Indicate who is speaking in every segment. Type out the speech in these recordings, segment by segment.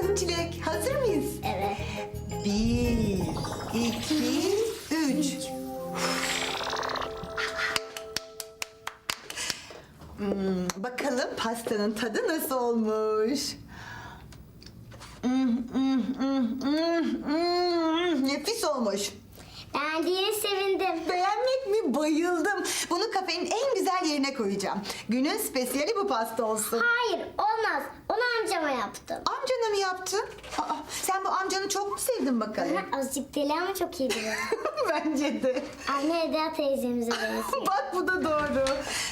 Speaker 1: Çilek, hazır mıyız?
Speaker 2: Evet.
Speaker 1: 1, 2, 3. Bakalım pastanın tadı nasıl olmuş? Nefis olmuş.
Speaker 2: Beğendiğine sevindim.
Speaker 1: Beğenmek mi? Bayıldım. Bunu kafenin en güzel yerine koyacağım. Günün spesiyali bu pasta olsun.
Speaker 2: Hayır, olmaz. Onu amcama yaptım.
Speaker 1: Amcana mı yaptın? Aa, sen bu amcanı çok mu sevdin bakalım?
Speaker 2: Azıcık deli ama çok iyi biri.
Speaker 1: Bence de.
Speaker 2: Anne Eda teyzemize benziyor.
Speaker 1: Bak bu da doğru.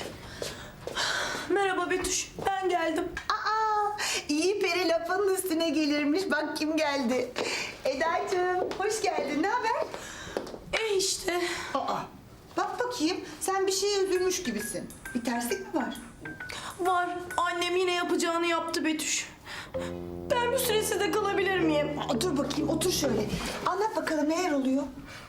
Speaker 3: Merhaba Betüş, ben geldim.
Speaker 1: Aa, iyi peri lafının üstüne gelirmiş. Bak kim geldi. Eda'cığım hoş geldin. Ne haber?
Speaker 3: İşte.
Speaker 1: Aa, bak bakayım. Sen bir şeye üzülmüş gibisin. Bir terslik mi var?
Speaker 3: Var, annem yine yapacağını yaptı Betüş. Ben bir süre sizde kalabilir miyim?
Speaker 1: Aa, dur bakayım otur şöyle. Anlat bakalım neler oluyor?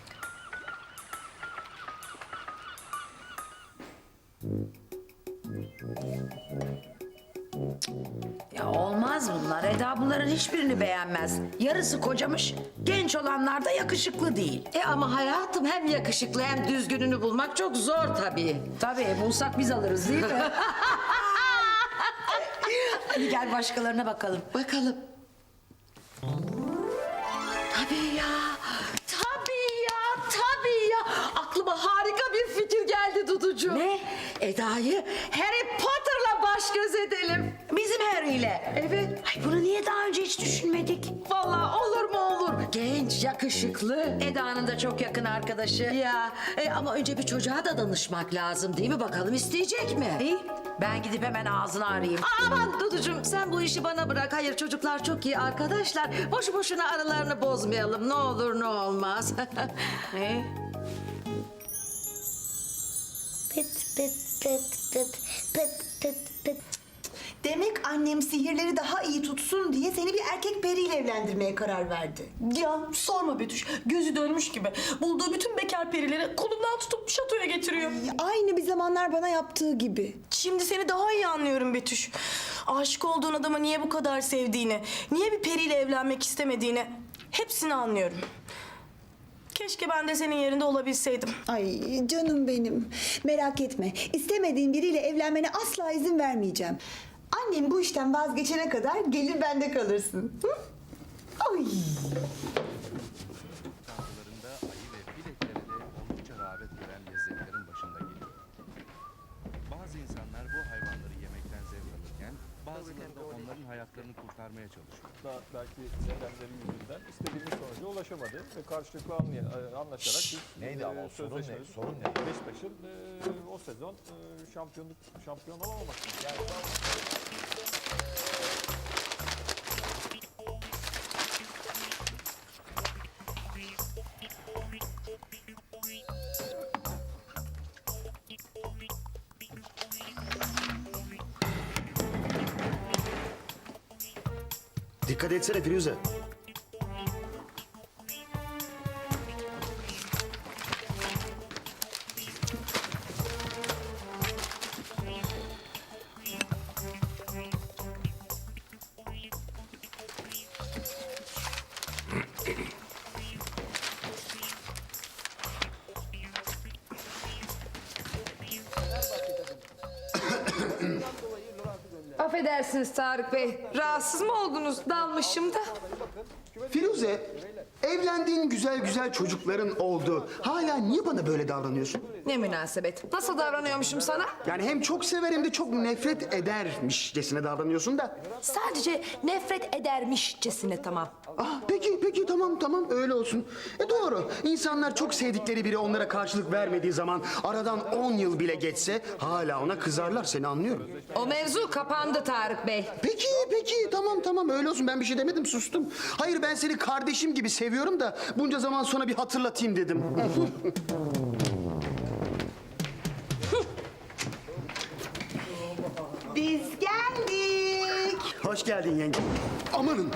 Speaker 4: Ya olmaz bunlar. Eda bunların hiçbirini beğenmez. Yarısı kocamış, genç olanlar da yakışıklı değil.
Speaker 5: Ama hayatım hem yakışıklı hem düzgününü bulmak çok zor tabii.
Speaker 4: Tabii bulsak biz alırız değil mi? Hadi gel başkalarına bakalım.
Speaker 5: Bakalım. Tabii ya. Tabii ya. Tabii ya. Aklıma harika bir fikir geldi Duducuğum.
Speaker 4: Ne?
Speaker 5: Eda'yı Harry Potter'la baş göz edelim.
Speaker 4: Bizim Harry'yle.
Speaker 5: Evet.
Speaker 4: Ay bunu niye daha önce hiç düşünmedik?
Speaker 5: Vallahi olur mu olur. Genç, yakışıklı.
Speaker 4: Eda'nın da çok yakın arkadaşı.
Speaker 5: Ya ama önce bir çocuğa da danışmak lazım değil mi? Bakalım isteyecek mi?
Speaker 4: İyi, ben gidip hemen ağzını arayayım.
Speaker 5: Aman Duducuğum sen bu işi bana bırak. Hayır çocuklar çok iyi arkadaşlar. Boşu boşuna aralarını bozmayalım. Ne olur ne olmaz.
Speaker 4: Ne?
Speaker 2: Pıt pıt pıt pıt pıt pıt pıt.
Speaker 1: Demek annem sihirleri daha iyi tutsun diye seni bir erkek periyle evlendirmeye karar verdi.
Speaker 3: Ya sorma Betüş, gözü dönmüş gibi. Bulduğu bütün bekar perileri kolundan tutup şatoya getiriyor.
Speaker 1: Aynı bir zamanlar bana yaptığı gibi.
Speaker 3: Şimdi seni daha iyi anlıyorum Betüş. Aşık olduğun adamı niye bu kadar sevdiğini, niye bir periyle evlenmek istemediğini hepsini anlıyorum. Keşke ben de senin yerinde olabilseydim.
Speaker 1: Ay canım benim. Merak etme. İstemediğin biriyle evlenmene asla izin vermeyeceğim. Annem bu işten vazgeçene kadar gelir bende kalırsın. Hı? Ay.
Speaker 6: Sofralarında ayı ve fil etleri de oldukça rağbet gören lezzetlerin başında geliyor. Bazı insanlar bu hayvanları yemekten zevk alırken bazıları da onların hayatlarını kurtarmaya çalışıyor.
Speaker 7: Da belki nedenleri yüzünden istediğimiz sonuca ulaşamadı ve karşılıklı anlaşarak biz
Speaker 6: Neydi ama o sorun ne?
Speaker 7: sözleşmemiz-
Speaker 6: Sorun ne?
Speaker 7: Beşiktaş'ın o sezon şampiyon olamaması. Yani
Speaker 8: Dikkat etsene Firuze.
Speaker 9: Affedersiniz Tarık Bey. Rahatsız mı oldunuz? Dalmışım da.
Speaker 8: Firuze, evlendiğin güzel güzel çocukların oldu. Hala niye bana böyle davranıyorsun?
Speaker 9: Ne münasebet. Nasıl davranıyormuşum sana?
Speaker 8: Yani hem çok sever hem de çok nefret edermişcesine davranıyorsun da.
Speaker 9: Sadece nefret edermişçesine tamam.
Speaker 8: Ah peki tamam öyle olsun. Doğru. İnsanlar çok sevdikleri biri onlara karşılık vermediği zaman aradan 10 yıl bile geçse hala ona kızarlar, seni anlıyorum.
Speaker 9: O mevzu kapandı Tarık Bey.
Speaker 8: Peki tamam öyle olsun, ben bir şey demedim, sustum. Hayır, ben seni kardeşim gibi seviyorum da bunca zaman sonra bir hatırlatayım dedim.
Speaker 1: Biz geldik.
Speaker 8: Hoş geldin yenge. Amanın.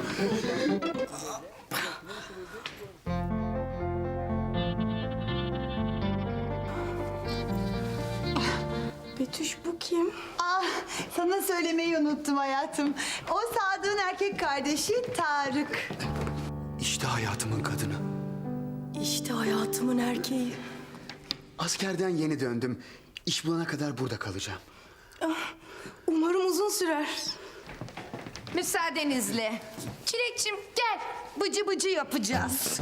Speaker 3: Betüş bu kim?
Speaker 1: Ah, sana söylemeyi unuttum hayatım. O Sadık'ın erkek kardeşi Tarık.
Speaker 8: İşte hayatımın kadını.
Speaker 3: İşte hayatımın erkeği.
Speaker 8: Askerden yeni döndüm. İş bulana kadar burada kalacağım.
Speaker 3: Umarım uzun sürer.
Speaker 9: Müsaadenizle. Çilekçim gel. Bıcı bıcı yapacağız.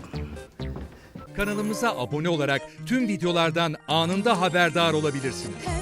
Speaker 10: Kanalımıza abone olarak tüm videolardan anında haberdar olabilirsiniz.